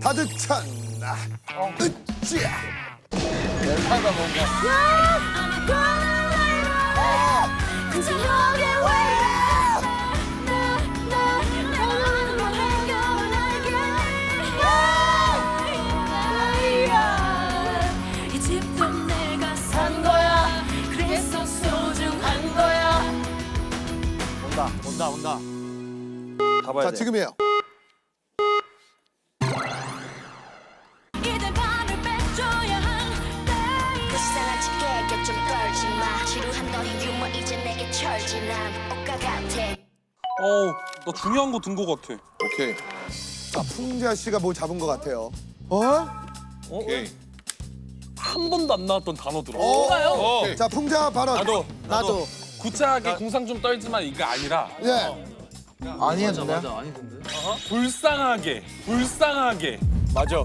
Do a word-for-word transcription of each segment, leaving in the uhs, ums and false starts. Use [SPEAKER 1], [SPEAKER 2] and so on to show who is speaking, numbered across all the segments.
[SPEAKER 1] 가득 찬 어. 으쌰.
[SPEAKER 2] 멜파가 뭔가.
[SPEAKER 3] 이 집도 내가 산 거야. 그래서 소중한 거야.
[SPEAKER 2] 온다, 온다, 온다. 가봐야
[SPEAKER 1] 자
[SPEAKER 2] 돼.
[SPEAKER 1] 지금이에요.
[SPEAKER 3] 이제 밤을 빼줘야 한대.
[SPEAKER 4] 불쌍한 척해 좀 떨지 마. 지루한 너의 유머 이제 내게 철지 난 옷과 같아.
[SPEAKER 5] 어우, 나 중요한 거 든 거 같아.
[SPEAKER 1] 오케이. 자 풍자 씨가 뭘 잡은 것 같아요. 어?
[SPEAKER 5] 오케이. 한 번도 안 나왔던 단어들어.
[SPEAKER 1] 뭔가요?
[SPEAKER 5] 어.
[SPEAKER 1] 자 풍자 발언.
[SPEAKER 5] 나도,
[SPEAKER 2] 나도.
[SPEAKER 5] 구차하게 궁상 좀 떨지만 이게 아니라
[SPEAKER 1] 예.
[SPEAKER 2] 아니야, 맞아,
[SPEAKER 5] 불쌍하게, 불쌍하게.
[SPEAKER 2] 맞아.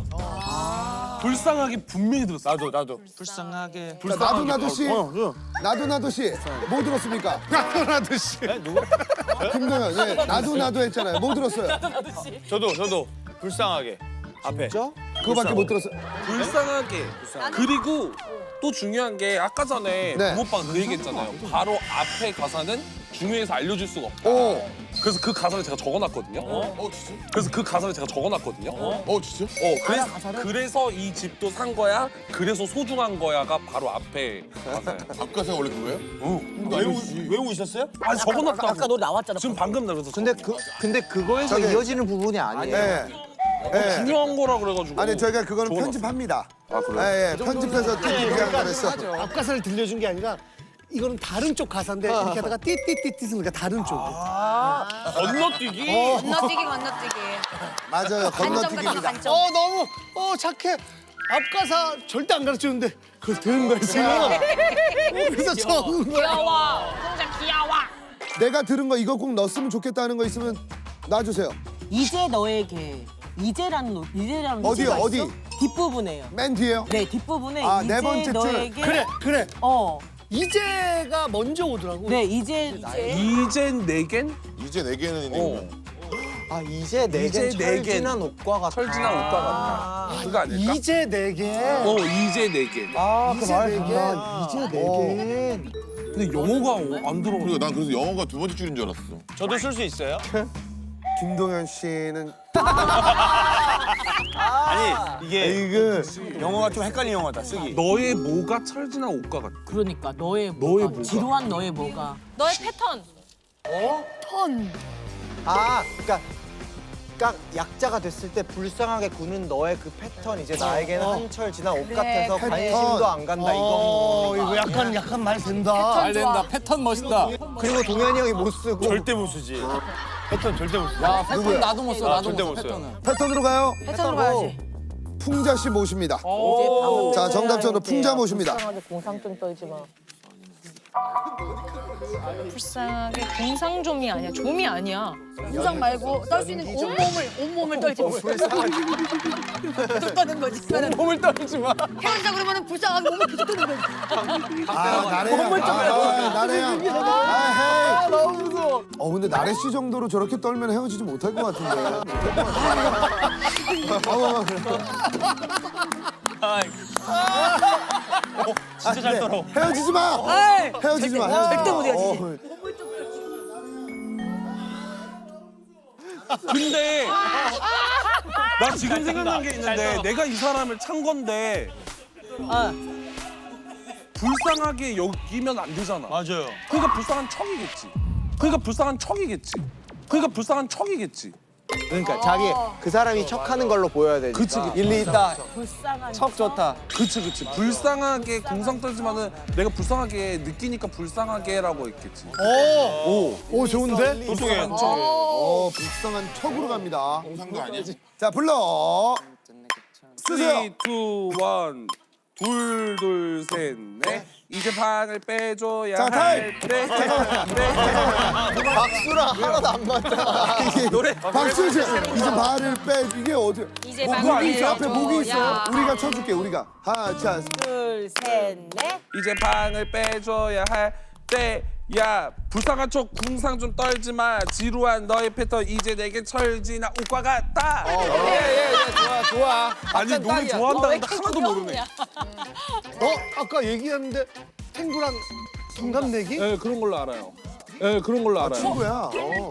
[SPEAKER 5] 불쌍하게 분명히 들었어.
[SPEAKER 2] 나도, 나도.
[SPEAKER 5] 불쌍하게.
[SPEAKER 1] 자, 나도 나도 씨.
[SPEAKER 2] 어, 어.
[SPEAKER 1] 나도 나도 씨. 뭐 들었습니까?
[SPEAKER 2] 나도, 나도 씨. 누구?
[SPEAKER 1] 김동현. 예. 나도 나도 했잖아요. 뭐 들었어요?
[SPEAKER 2] 저도, 저도. 불쌍하게. 앞에.
[SPEAKER 1] 그거밖에 못 들었어요.
[SPEAKER 5] 불쌍하게. 그리고 또 중요한 게 아까 전에
[SPEAKER 1] 네.
[SPEAKER 5] 부모빠가 그 얘기했잖아요. 바로 앞에 가사는 중요해서 알려줄 수가 없다.
[SPEAKER 1] 오.
[SPEAKER 5] 그래서 그 가사를 제가 적어놨거든요.
[SPEAKER 1] 어 진짜?
[SPEAKER 5] 그래서 그 가사를 제가 적어놨거든요. 어,
[SPEAKER 1] 어 진짜?
[SPEAKER 5] 그래서, 그래서 이 집도 산 거야. 그래서 소중한 거야가 바로 앞에 가사야.
[SPEAKER 1] 앞가사가 원래 그거예요?
[SPEAKER 5] 응.
[SPEAKER 2] 외우, 외우고 있었어요?
[SPEAKER 5] 아니 적어놨다고.
[SPEAKER 6] 아까 너 나왔잖아.
[SPEAKER 5] 지금 방금 나 그래서
[SPEAKER 7] 근데 그 근데 그거에서
[SPEAKER 1] 저기-
[SPEAKER 7] 이어지는 부분이 아니에요.
[SPEAKER 1] 예. 예.
[SPEAKER 5] 중요한 거라 그래가지고.
[SPEAKER 1] 아니 저희가 그거는
[SPEAKER 5] 적어놨어.
[SPEAKER 1] 편집합니다.
[SPEAKER 5] 아 그래?
[SPEAKER 1] 예, 예. 편집해서 띠띠띠한 거랬어.
[SPEAKER 8] 앞가사를 들려준 게 아니라 이거는 다른 쪽 가사인데 이렇게 하다가 띠띠띠띠 쓰니까 다른 쪽이.
[SPEAKER 5] 건너뛰기.
[SPEAKER 6] 건너뛰기 건너뛰기.
[SPEAKER 1] 맞아요.
[SPEAKER 6] 간점 같은
[SPEAKER 1] 건너뛰기입니다.
[SPEAKER 6] 간점.
[SPEAKER 8] 어 너무 어 착해. 앞가사 절대 안 가르쳤는데 그걸 들은 거야 지금. 어, 그래서 적은 거야.
[SPEAKER 6] 귀여워. 진짜 귀여워.
[SPEAKER 1] 내가 들은 거 이거 꼭 넣었으면 좋겠다는 거 있으면 놔주세요.
[SPEAKER 6] 이제 너에게 이제라는 노 이제라는
[SPEAKER 1] 어디요,
[SPEAKER 6] 노래가
[SPEAKER 1] 어디?
[SPEAKER 6] 있어? 뒷부분에요.
[SPEAKER 1] 맨 뒤에요.
[SPEAKER 6] 네 뒷부분에
[SPEAKER 1] 아,
[SPEAKER 6] 이제
[SPEAKER 1] 네 번째 줄.
[SPEAKER 6] 너에게
[SPEAKER 8] 그래 그래.
[SPEAKER 6] 어.
[SPEAKER 8] 이제가 먼저 오더라고.
[SPEAKER 6] 네 이제 이제
[SPEAKER 5] 이젠 내겐
[SPEAKER 9] 이제 네 개는
[SPEAKER 5] 어.
[SPEAKER 7] 아 이제 내겐
[SPEAKER 5] 이제 내겐.
[SPEAKER 7] 철진한 옷과 같아.
[SPEAKER 5] 철진한 옷과 같다. 그거 아닐까?
[SPEAKER 8] 이제 내게.
[SPEAKER 5] 어 이제 내겐.
[SPEAKER 7] 아그
[SPEAKER 8] 이제
[SPEAKER 7] 말.
[SPEAKER 8] 내겐.
[SPEAKER 7] 아, 이제 내겐.
[SPEAKER 5] 근데 영어가 안 들어.
[SPEAKER 9] 그리고 난 그래서 영어가 두 번째 줄인 줄 알았어.
[SPEAKER 2] 저도 쓸 수 있어요?
[SPEAKER 1] 김동현 씨는
[SPEAKER 2] 아니, 이게
[SPEAKER 1] 이거
[SPEAKER 2] 영어가 좀 헷갈리는 영어다, 쓰기.
[SPEAKER 5] 너의 뭐가 철진한 옷과 같다.
[SPEAKER 6] 그러니까 너의 뭐가
[SPEAKER 5] 너의 뭐가?
[SPEAKER 6] 지루한 너의 뭐가
[SPEAKER 3] 너의 패턴.
[SPEAKER 7] 아 그러니까 그러니까 약자가 됐을 때 불쌍하게 구는 너의 그 패턴 이제 나에게는 한철 지난 옷 같아서
[SPEAKER 1] 패턴.
[SPEAKER 7] 관심도 안 간다
[SPEAKER 8] 어
[SPEAKER 7] 이건.
[SPEAKER 8] 이거 약간 약간 말 된다.
[SPEAKER 6] 잘 된다.
[SPEAKER 2] 패턴 멋있다.
[SPEAKER 7] 그리고 동현이 형이 못 쓰고.
[SPEAKER 2] 절대 못 쓰지. 패턴 절대 못 쓰지.
[SPEAKER 7] 야
[SPEAKER 1] 누구야?
[SPEAKER 7] 나도 못 써.
[SPEAKER 2] 아, 절대 못 써요.
[SPEAKER 1] 패턴으로 가요.
[SPEAKER 6] 패턴으로 가야지.
[SPEAKER 1] 풍자 씨 모십니다.
[SPEAKER 6] 이제 방금
[SPEAKER 1] 자, 정답전으로 풍자 모십니다.
[SPEAKER 6] 불쌍하게 공상 좀 떨지 마.
[SPEAKER 3] 불쌍하게 공상좀이 아니야. 좀이 아니야. 공상 말고 떨 수 있는 온몸을 온몸을 떨지 마. 계속 떠는 거지.
[SPEAKER 2] 몸을 떨지 마.
[SPEAKER 3] 헤어지자 그러면은 불쌍하게 몸을 계속 떠는 거지.
[SPEAKER 1] 아, 나래야. 아, 나래야. 아, 헤이. 너무 무서워. 어, 근데 나래 씨 정도로 저렇게 떨면 헤어지지 못할 것 같은데. 어,
[SPEAKER 2] 진짜 잘 떨어.
[SPEAKER 1] 헤어지지 마. 헤어지지 마. 헤어지지
[SPEAKER 6] 절대 못 헤어지지.
[SPEAKER 1] 어,
[SPEAKER 5] 근데 나 지금 생각난 게 있는데 내가 이 사람을 찬 건데 불쌍하게 여기면 안 되잖아.
[SPEAKER 2] 맞아요.
[SPEAKER 5] 그러니까 불쌍한 척이겠지. 그러니까 불쌍한 척이겠지. 그러니까 불쌍한 척이겠지.
[SPEAKER 7] 그러니까 자기 그 사람이 척하는 걸로 보여야 되니까.
[SPEAKER 5] 그치, 그치.
[SPEAKER 7] 일리 있다.
[SPEAKER 6] 불쌍한
[SPEAKER 7] 척 좋다.
[SPEAKER 5] 그치 그치. 불쌍하게 공상 떨지만은 내가 불쌍하게 느끼니까 불쌍하게라고 했겠지.
[SPEAKER 8] 오, 오 좋은데?
[SPEAKER 2] 똑똑해.
[SPEAKER 1] 어, 불쌍한 척으로 갑니다.
[SPEAKER 9] 공상도 아니야?
[SPEAKER 1] 자, 불러. 쓰세요.
[SPEAKER 5] 쓰리, 투, 원. 둘, 둘, 셋, 넷. 이제 방을 빼줘야
[SPEAKER 1] 자, 타임.
[SPEAKER 5] 할 때.
[SPEAKER 7] 박수랑 하나도 안 맞아.
[SPEAKER 1] 이게 노래 박수 씨 이제 발을 빼 이게 어디
[SPEAKER 3] 이제
[SPEAKER 1] 뭐,
[SPEAKER 3] 방을
[SPEAKER 1] 목이 있어 앞에 목이 있어
[SPEAKER 3] 빼줘야.
[SPEAKER 1] 우리가 쳐줄게 우리가 하자
[SPEAKER 6] 둘, 셋, 넷.
[SPEAKER 5] 이제 방을 빼줘야 할 야 불쌍한 척 궁상 좀 떨지 마. 지루한 너의 패턴 이제 내게 철지나 옷과 같다.
[SPEAKER 2] 예예예 좋아 좋아.
[SPEAKER 5] 아니 노래 좋아한다는데 하나도 모르네.
[SPEAKER 8] 너 아까 얘기했는데 탱구랑 동갑내기?
[SPEAKER 5] 예 그런 걸로 알아요. 예 그런 걸로 알아요.
[SPEAKER 1] 친구야. 어.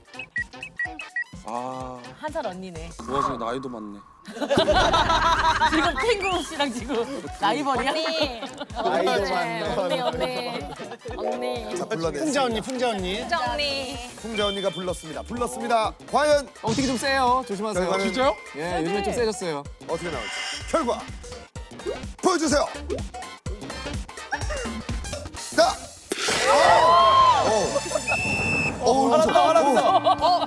[SPEAKER 5] 아
[SPEAKER 6] 한 살 언니네.
[SPEAKER 5] 그 와중에 나이도 많네.
[SPEAKER 6] 지금 탱구 씨랑 지금 라이벌이야?
[SPEAKER 3] 언니.
[SPEAKER 8] 아이도 많네.
[SPEAKER 3] 언니 언니. 언니.
[SPEAKER 1] 자 불러내.
[SPEAKER 8] 풍자 언니, 풍자 언니.
[SPEAKER 3] 진짜 언니.
[SPEAKER 1] 풍자 언니가 불렀습니다. 불렀습니다. 과연
[SPEAKER 2] 어떻게 좀 세요. 조심하세요.
[SPEAKER 1] 결과는
[SPEAKER 5] 진짜요?
[SPEAKER 2] 예 요즘에 좀 세졌어요.
[SPEAKER 1] 어떻게 나올지 결과 보여주세요. 자. 오. 오. 오.
[SPEAKER 2] 알았어 알았어.